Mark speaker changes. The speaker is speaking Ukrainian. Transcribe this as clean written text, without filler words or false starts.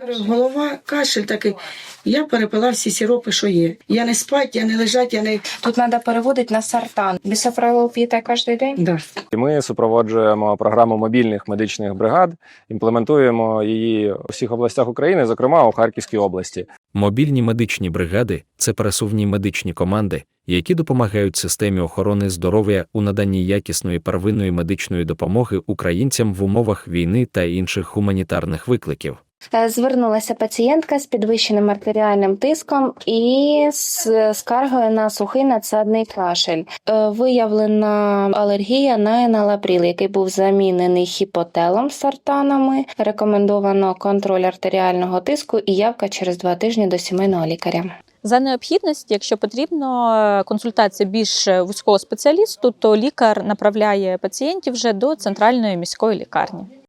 Speaker 1: Голова, кашель такий. Я перепила всі сиропи, що є. Я не спать, я не лежать, я не...
Speaker 2: Тут треба переводити на сартан. Бісофролол п'єте кожен день?
Speaker 1: Да.
Speaker 3: Ми супроводжуємо програму мобільних медичних бригад, імплементуємо її у всіх областях України, зокрема у Харківській області.
Speaker 4: Мобільні медичні бригади – це пересувні медичні команди, які допомагають системі охорони здоров'я у наданні якісної первинної медичної допомоги українцям в умовах війни та інших гуманітарних викликів.
Speaker 2: Звернулася пацієнтка з підвищеним артеріальним тиском і з скаргою на сухий надсадний кашель. Виявлена алергія на еналапріл, який був замінений хіпотелом з сартанами. Рекомендовано контроль артеріального тиску і явка через 2 тижні до сімейного лікаря.
Speaker 5: За необхідності, якщо потрібно консультація більш вузького спеціалісту, то лікар направляє пацієнтів вже до центральної міської лікарні.